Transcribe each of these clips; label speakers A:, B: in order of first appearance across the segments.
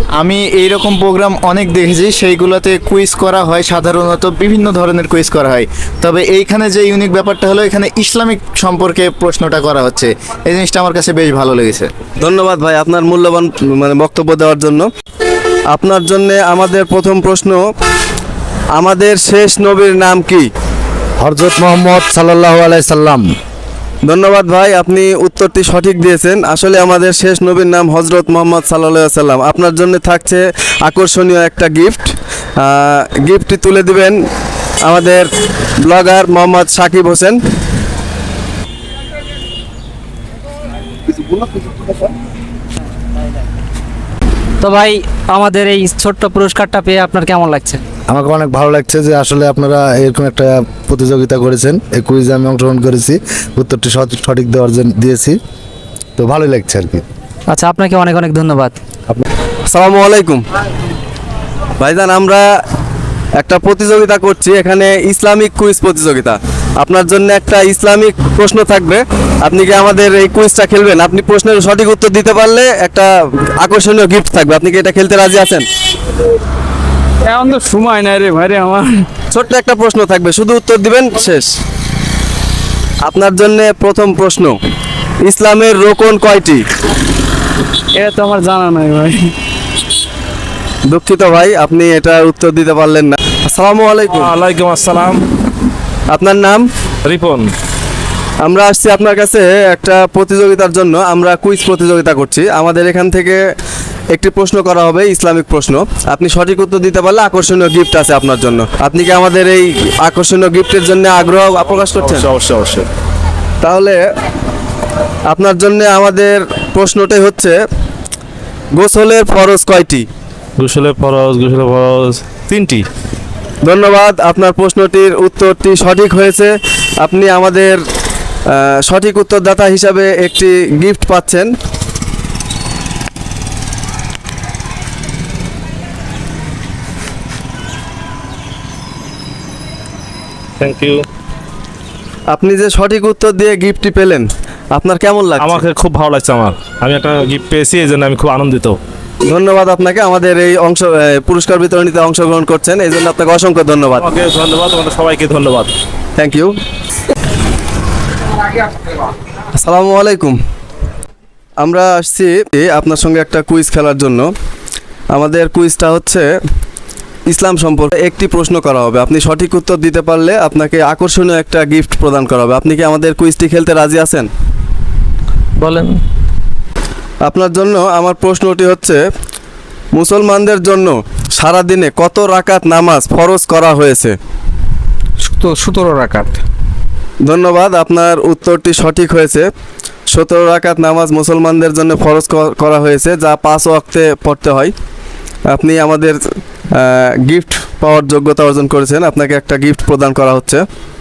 A: আমি এইরকম প্রোগ্রাম অনেক দেখেছি, সেইগুলোতে কুইজ করা হয়, সাধারণত বিভিন্ন ধরনের কুইজ করা হয়। তবে এইখানে যে ইউনিক ব্যাপারটা হলো, এখানে ইসলামিক সম্পর্কে প্রশ্নটা করা হচ্ছে, এই জিনিসটা আমার কাছে বেশ ভালো লেগেছে।
B: ধন্যবাদ ভাই আপনার মূল্যবান বক্তব্য দেওয়ার জন্য। আপনার জন্য আমাদের প্রথম প্রশ্ন, আমাদের শেষ নবীর নাম কি?
C: হযরত মুহাম্মদ সাল্লাল্লাহু আলাইহি সাল্লাম।
B: ধন্যবাদ ভাই, আপনি উত্তরটি সঠিক দিয়েছেন। আসলে আমাদের শেষ নবীর নাম হযরত মুহাম্মদ সাল্লাল্লাহু আলাইহি সাল্লাম। আপনার জন্য থাকছে আকর্ষণীয় একটা গিফট। গিফটটি তুলে দিবেন আমাদের ব্লগার মোহাম্মদ সাকিব হোসেন।
D: তো ভাই, আমাদের এই ছোট্ট পুরস্কারটা পেয়ে আপনার কেমন লাগছে?
C: আমাকে অনেক ভালো লাগছে যে আসলে আপনারা এরকম একটা প্রতিযোগিতা করেছেন। এই কুইজে আমি অংশগ্রহণ করেছি, উত্তরটি সঠিক দেওয়ার জন্য দিয়েছি, তো ভালোই লাগছে আর কি।
D: আচ্ছা, আপনাকে অনেক অনেক ধন্যবাদ।
B: আসসালামু আলাইকুম ভাইজান, আমরা একটা প্রতিযোগিতা করছি এখানে, ইসলামিক কুইজ প্রতিযোগিতা। আপনার জন্য একটা ইসলামিক প্রশ্ন থাকবে, আপনি কি আমাদের এই কুইজটা খেলবেন? আপনি প্রশ্নের সঠিক উত্তর দিতে পারলে একটা আকর্ষণীয় গিফট থাকবে। আপনি কি এটা খেলতে রাজি আছেন?
E: এখন তো সময় নাই রে ভাই রে আমার।
B: ছোট্ট একটা প্রশ্ন থাকবে, শুধু উত্তর দিবেন, শেষ। আপনার জন্য প্রথম প্রশ্ন, ইসলামের রোকন কয়টি?
E: এটা তো আমার জানা নাই ভাই।
B: দুঃখিত ভাই, আপনি এটার উত্তর দিতে পারলেন না। আসসালামু আলাইকুম।
F: ওয়ালাইকুম আসসালাম।
B: আপনার নাম?
F: রিপন।
B: আমরা আসছি আপনার কাছে একটা প্রতিযোগিতার জন্য। আমরা কুইজ প্রতিযোগিতা করছি। আমাদের এখান থেকে একটি প্রশ্ন করা হবে, ইসলামিক প্রশ্ন। আপনি সঠিক উত্তর দিতে পারলে আকর্ষণীয় গিফট আছে আপনার জন্য। আপনি কি আমাদের এই আকর্ষণীয় গিফটের জন্য আগ্রহ প্রকাশ করছেন?
F: অবশ্যই অবশ্যই।
B: তাহলে আপনার জন্য আমাদের প্রশ্নটাই হচ্ছে, গোসলের ফরজ কয়টি?
F: গোসলের ফরজ 3টি।
B: ধন্যবাদ, আপনার প্রশ্নটির উত্তরটি সঠিক হয়েছে। আপনি আমাদের সঠিক উত্তরদাতা হিসাবে একটি গিফট পাচ্ছেন।
F: Thank you.
B: আপনি যে সঠিক উত্তর দিয়ে গিফটটি পেলেন, আপনার কেমন লাগছে?
F: আমাকে খুব ভালো লাগছে। আমি একটা গিফট পেয়েছি, এই জন্য আমি খুব আনন্দিত।
B: ধন্যবাদ আপনাকে, আমাদের এই পুরস্কার বিতরণীতে অংশগ্রহণ করছেন, এই জন্য আপনাকে অসংখ্য ধন্যবাদ।
F: আমাকে ধন্যবাদ, তোমাদের সবাইকে ধন্যবাদ।
B: Thank you. আসসালামু আলাইকুম। আমরা আসছি আপনার সঙ্গে একটা কুইজ খেলার জন্য। আমাদের কুইজটা হচ্ছে ইসলাম সম্পর্কে একটি প্রশ্ন করা হবে। আপনি সঠিক উত্তর দিতে পারলে আপনাকে আকর্ষণীয় একটা গিফট প্রদান করা হবে। আপনি কি আমাদের কুইজটি খেলতে রাজি আছেন?
D: বলেন।
B: আপনার জন্য আমার প্রশ্নটি হচ্ছে, মুসলমানদের জন্য সারাদিনে কত রাকাত নামাজ ফরজ করা হয়েছে?
E: 17 রাকাত।
B: ধন্যবাদ, আপনার উত্তরটি সঠিক হয়েছে। 17 রাকাত নামাজ মুসলমানদের জন্য ফরজ করা হয়েছে, যা 5 ওয়াক্তে পড়তে হয়। আপনি আমাদের গিফট পাওয়ার যোগ্যতা অর্জন করেছেন। আপনাকে একটা গিফট প্রদান করা হচ্ছে।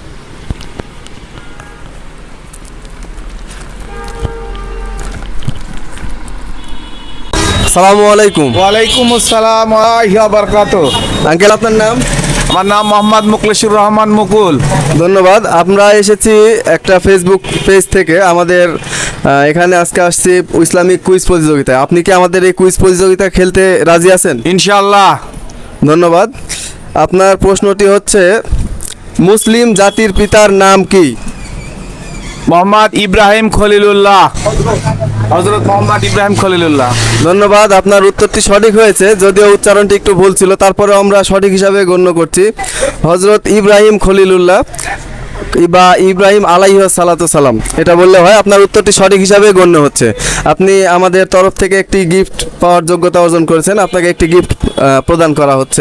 B: আসসালামু আলাইকুম।
A: ওয়ালাইকুম আসসালাম ওয়া রাহমাতুল্লাহি ওয়া বারাকাতুহু।
B: আঙ্কেল, আপনার নাম?
A: আমার নাম মোহাম্মদ মুখলেসুর রহমান মুকুল।
B: ধন্যবাদ। আমরা এসেছি একটা ফেসবুক পেজ থেকে। আমাদের এখানে আজকে আসছি ইসলামিক কুইজ প্রতিযোগিতায়। আপনি কি আমাদের এই কুইজ প্রতিযোগিতা খেলতে রাজি আছেন?
A: ইনশাআল্লাহ।
B: ধন্যবাদ। আপনার প্রশ্নটি হচ্ছে, মুসলিম জাতির পিতার নাম কি?
A: মোহাম্মদ ইব্রাহিম খলিলুল্লাহ। হযরত মোহাম্মদ ইব্রাহিম খলিলুল্লাহ।
B: ধন্যবাদ, আপনার উত্তরটি সঠিক হয়েছে, যদিও উচ্চারণটি একটু ভুল ছিল, তারপরে আমরা সঠিক হিসাবে গণ্য করছি। হযরত ইব্রাহিম খলিলুল্লাহ বা ইব্রাহিম আলাইহিস সালাতু সালাম এটা বললে হয়। আপনার উত্তরটি সঠিক হিসাবে গণ্য হচ্ছে। আপনি আমাদের তরফ থেকে একটি গিফট পাওয়ার যোগ্যতা অর্জন করেছেন। আপনাকে একটি গিফট প্রদান করা হচ্ছে।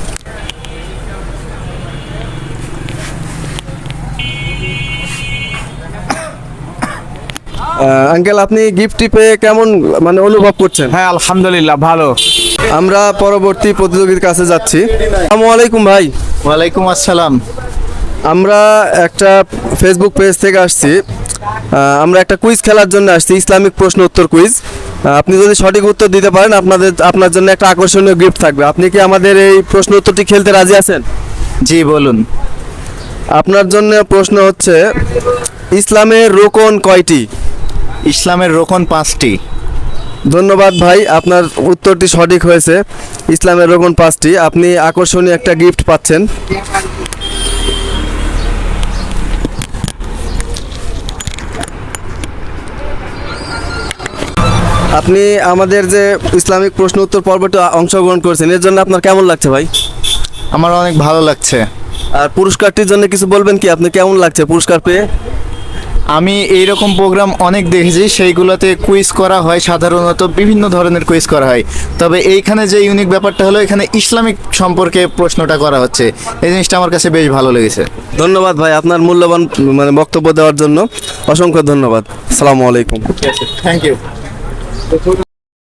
B: আঙ্কেল, আপনি গিফটটি পেয়ে কেমন অনুভব করছেন?
A: হ্যাঁ, আলহামদুলিল্লাহ ভালো।
B: আমরা পরবর্তী প্রতিযোগীর কাছে যাচ্ছি। আসসালামু আলাইকুম ভাই।
A: ওয়ালাইকুম আসসালাম।
B: আমরা একটা ফেসবুক পেজ থেকে আসছি। আমরা একটা কুইজ খেলার জন্য আসছি, ইসলামিক প্রশ্ন উত্তর কুইজ। আপনি যদি সঠিক উত্তর দিতে পারেন, আপনার জন্য একটা আকর্ষণীয় গিফট থাকবে। আপনি কি আমাদের এই প্রশ্ন উত্তরটি খেলতে রাজি আছেন?
A: জি বলুন।
B: আপনার জন্য প্রশ্ন হচ্ছে, ইসলামের রোকন কয়টি?
A: ইসলামের রোকন 5টি।
B: ধন্যবাদ ভাই, আপনার উত্তরটি সঠিক হয়েছে। ইসলামের রোকন 5টি, আপনি আকর্ষণীয় একটা গিফট পাচ্ছেন। আপনি আমাদের যে ইসলামিক প্রশ্ন উত্তর পর্বটি অংশগ্রহণ করেছেন, এর জন্য আপনার কেমন লাগছে ভাই?
A: আমার অনেক ভালো লাগছে।
B: আর পুরস্কারটির জন্য কিছু বলবেন কি? আপনি কেমন লাগছে পুরস্কার পেয়ে?
A: আমি এইরকম প্রোগ্রাম অনেক দেখেছি, সেইগুলোতে কুইজ করা হয়, সাধারণত বিভিন্ন ধরনের কুইজ করা হয়। তবে এইখানে যে ইউনিক ব্যাপারটা হলো, এখানে ইসলামিক সম্পর্কে প্রশ্নটা করা হচ্ছে, এই জিনিসটা আমার কাছে বেশ ভালো লেগেছে।
B: ধন্যবাদ ভাই, আপনার মূল্যবান বক্তব্য দেওয়ার জন্য অসংখ্য ধন্যবাদ। আসসালামু আলাইকুম।
A: Thank you.